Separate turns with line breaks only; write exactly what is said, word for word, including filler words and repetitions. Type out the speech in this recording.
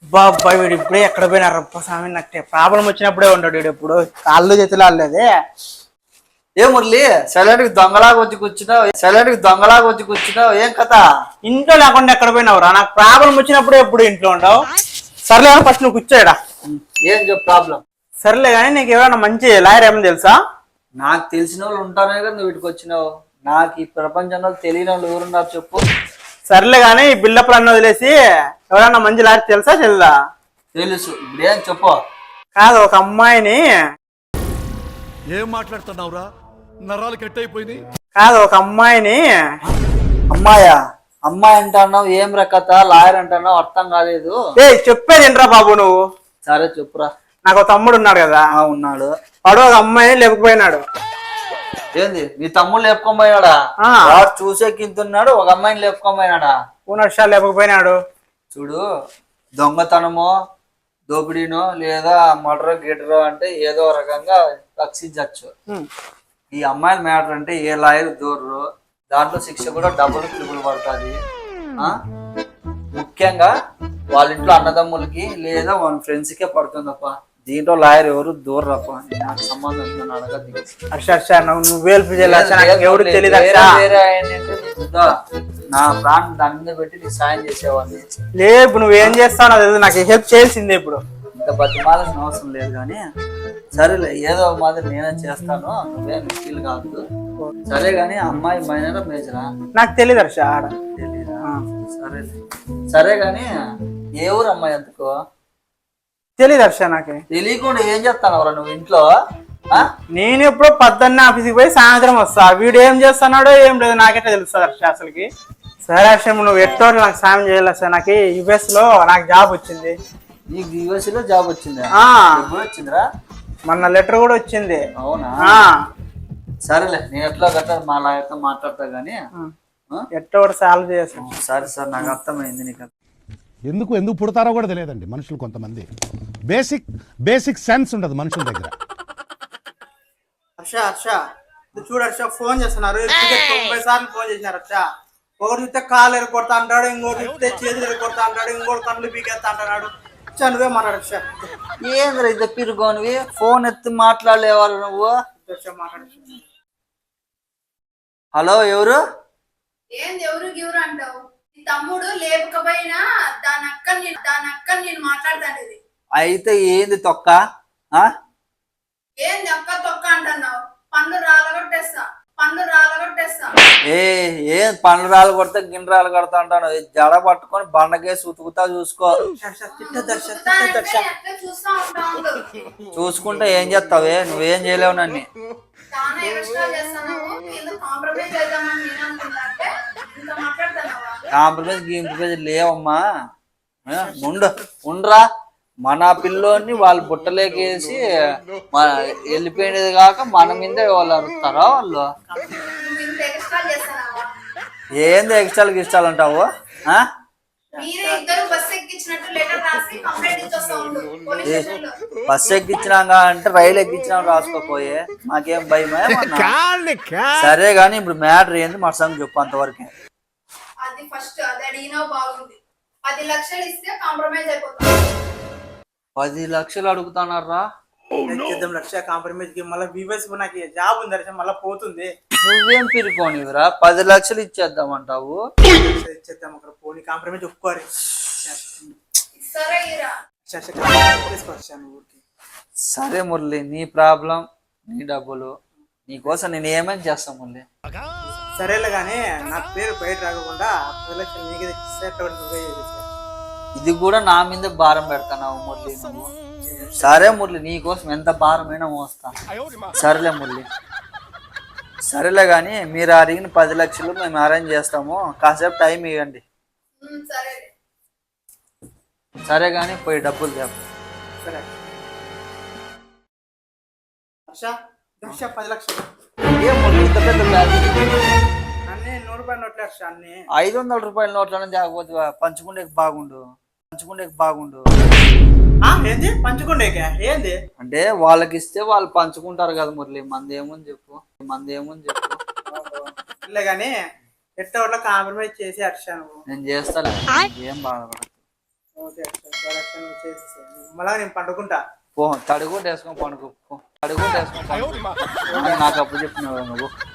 బాబాయ్ వీడు ఇప్పుడే ఎక్కడ పోయినారు రప్ప స్వామి. నాకు ప్రాబ్లం వచ్చినప్పుడే ఉంటాడు వీడు. ఎప్పుడు కాళ్ళు చేతులు ఆడలేదే.
ఏ మురళి సైలెంట్ కి దొంగలాగా వచ్చి కూర్చున్నావు సైలెంట్ కి దొంగలాగా వచ్చి కూర్చున్నావు ఏం కథ?
ఇంట్లో లేకుండా ఎక్కడ పోయినావురా? నాకు ప్రాబ్లం వచ్చినప్పుడే ఎప్పుడు ఇంట్లో ఉండవు. సర్లే ఫస్ట్ నువ్వు కూర్చోయడా.
ఏం చెప్పు ప్రాబ్లం?
సర్లే కానీ నీకు ఎవరైనా మంచి లాయర్ ఏమని తెలుసా?
నాకు తెలిసిన వాళ్ళు ఉంటానే కదా నువ్వు వీటికి వచ్చినావు. నాకు ఈ ప్రపంచంలో తెలియని వాళ్ళు ఎవరున్నారు చెప్పు.
సర్లే కానీ ఈ బిల్డప్లు అన్న వదిలేసి ఎవరైనా మంచి లాయర్ తెలుసా తెల్దా?
తెలుసు. ఇప్పుడేం చెప్పు.
కాదు, ఒక అమ్మాయిని.
ఏం మాట్లాడుతున్నావురా? నరాలు కట్ అయిపోయినాయి.
కాదు, ఒక అమ్మాయిని.
అమ్మాయా? అమ్మాయి అంటున్నావు, ఏం రకత లాయర్ అంటున్నావు, అర్థం కాలేదు.
ఏ చెప్పేది ఏంట్రా బాబు నువ్వు?
సరే చెప్పురా.
నాకు తమ్ముడు ఉన్నాడు కదా.
ఉన్నాడు.
వాడు ఒక అమ్మాయిని లేకపోయినాడు.
ఏంది నీ తమ్ముడు లేపుకోపోయినాడా? వాడు చూసే కింతున్నాడు, ఒక అమ్మాయిని లేపుకోపోయినాడా?
పూనర్షాలు లేకపోయినాడు.
చూడు, దొంగతనమో దోపిడీనో లేదా మర్డర్ గిటరో అంటే ఏదో రకంగా రక్షించచ్చు. ఈ అమ్మాయిల మ్యాటర్ అంటే ఏ లాయర్ దూరరు, దాంట్లో శిక్ష కూడా డబుల్ ట్రిపుల్ పడుతుంది. ముఖ్యంగా వాళ్ళ ఇంట్లో అన్నదమ్ములకి లేదా వాళ్ళ ఫ్రెండ్స్ కే పడుతుందప్ప. దీంట్లో లాయర్ ఎవరు దూరరప్ప. నాకు సంబంధం అడగదు.
నువ్వు ఎవరు తెలియదు.
నా ప్రాణం దాని మీద పెట్టి నీకు సాయం చేసేవాడిని.
లేదు నువ్వేం చేస్తావు నాకు నాకు హెల్ప్ చేయాల్సిందే. ఇప్పుడు
ఇంత బతిమాలని అవసరం లేదు కానీ సరేలే, ఏదో మాదిరి నేనే చేస్తాను, నువ్వేం ఫీల్ కాదు. సరే గాని అమ్మాయి మైనరా మేజరా?
నాకు తెలియదు హర్ష.
తెలీదా? సరేలే. సరే గాని ఏ ఊరు అమ్మాయి ఎందుకో
తెలియదు హర్ష. నాకు
తెలియకుండా ఏం చేస్తానవరా నువ్వు ఇంట్లో?
నేను ఎప్పుడో పద్దన్న ఆఫీస్కి పోయి సాయంత్రం వస్తా. వీడు ఏం చేస్తున్నాడో ఏం లేదు నాకైతే తెలుస్తుంది హర్ష అసలుకి. సరే హర్ష, నువ్వు ఎట్టో నాకు సాయం చేయాలి హర్ష. నాకు యుఎస్ లో నాకు జాబ్ వచ్చింది.
నీకు యుఎస్ లో జాబ్ వచ్చిందా? ఎప్పుడు వచ్చిందిరా?
మొన్న లెటర్ కూడా వచ్చింది.
అవునా? సరేలే, నేను ఎట్లా గట్ట మా లాయర్తో మాట్లాడతా గానీ
ఎట్టో కూడా సాల్వ్ చేస్తాను.
సరే సార్, నాకు అర్థమైంది. నీకు
ఎందుకు ఎందుకు పుడతారో కూడా తెలియదండి మనుషులు. కొంతమంది బేసిక్ బేసిక్ సెన్స్ ఉండదు మనుషుల దగ్గర.
హర్ష హర్ష చూడు హర్ష, ఫోన్ చేస్తున్నారు. తొంభై సార్లు ఫోన్ చేసినారు హర్ష. ఒకటి చూస్తే కాలు ఎరగొడతా అంటాడు, ఇంకోటి చూస్తే చేతులు ఎరగొడతా అంటాడు, ఇంకోటి కళ్ళు పీకేస్తా అంటున్నాడు. నువ్వే మాట్లాడు హర్ష.
ఏంద్ర ఇది పిరుగోనివి? ఫోన్ ఎత్తి మాట్లాడలేవారు నువ్వు?
మాట్లాడు.
హలో, ఎవరు?
ఏంది ఎవరు గివరు అంటావు? నీ తమ్ముడు లేకపోయినా దాని అక్క దాని అక్క నేను మాట్లాడతాను.
అయితే ఏంది తొక్క?
ఏంది అక్క తొక్క అంటున్నావు? పండు రాలగొట్టేస్తా, పండు రాలగొట్టేస్తా.
ఏ ఏం పండ్లు రాలు కొడితే గిన్నెరాలు కొడతా అంటాను. జడ పట్టుకొని బండకేసి ఉతుకుతా చూసుకో. చూసుకుంటే ఏం చేస్తావే? నువ్వేం చేయలేవు నన్ను. కాంప్రమైజ్ గింప్రమైజ్ లేవమ్మా. ఉండు ఉండరా. మన పిల్లోని వాళ్ళు బుట్టలేకేసి వెళ్ళిపోయినది కాక మన మీద వాళ్ళు అరుస్తారా? వాళ్ళు ఏంది ఎక్స్ట్రాలు గిస్టాలు అంటావు? బస్సు ఎక్కించినాక అంటే రైలు ఎక్కించినా రాసుకోపోయే మాకేం భయమే. సరే గాని ఇప్పుడు మ్యాటర్ ఏంది మా సంగతి చెప్పు అంతవరకే. పది లక్షలు అడుగుతున్నారా?
లక్ష కాంప్రమైజ్ కి మళ్ళీ వివస్ నాకు జాబ్ ఉంది హర్ష, మళ్ళీ పోతుంది.
నువ్వేం పిరుకోనివిరా? పది లక్షలు ఇచ్చేద్దామంటావు?
ఇచ్చేద్దాం అక్కడ పోనీ. కాంప్రమైజ్ ఒప్పుకోరు.
సరే మురళి, నీ ప్రాబ్లం, నీ డబ్బులు, నీకోసం నేను ఏమేమి చేస్తాను మురళి.
సరేలే గానీ నా పేరు బయట రాకుండా పది లక్షలు నీకు తెచ్చిస్తే
ఇది కూడా నా మీద భారం పెడతావు మురళి నువ్వు. సరే మురళి, నీకోసం ఎంత భారమైనా మోస్తా. సరేలే మురళి. సరేలే గాని మీరు అడిగిన పది లక్షలు మేము అరేంజ్ చేస్తాము, కాసేపు టైం ఇవ్వండి. సరే గాని పోయి డబ్బులు చెప్పు.
సరే పది లక్షలు అన్ని నూరు రూపాయల నోట్లు హర్ష. అన్ని
ఐదు వందల రూపాయల నోట్లనే తేకపోతే పంచుకుంటే బాగుండు, పంచుకుంటే బాగుండు.
ఏంది పంచుకుండేకే? ఏంది
అంటే వాళ్ళకి ఇస్తే వాళ్ళు పంచుకుంటారు కదా మురళి. మంది ఏముంది చెప్పు, మంది ఏముంది చెప్పు.
గానీ ఎట్లా కాంప్రమైజ్ చేసి హర్ష నువ్వు.
నేను చేస్తాను, ఏం బాధపడదు.
ఓకే హర్ష. నువ్వు చేసి మళ్ళా నేను పండుకుంటా.
పో తడుగుంట వేసుకొని పండుకో, తడుగుంట వేసుకొని పండుకో. నాకు అప్పు చెప్పినావు నువ్వు.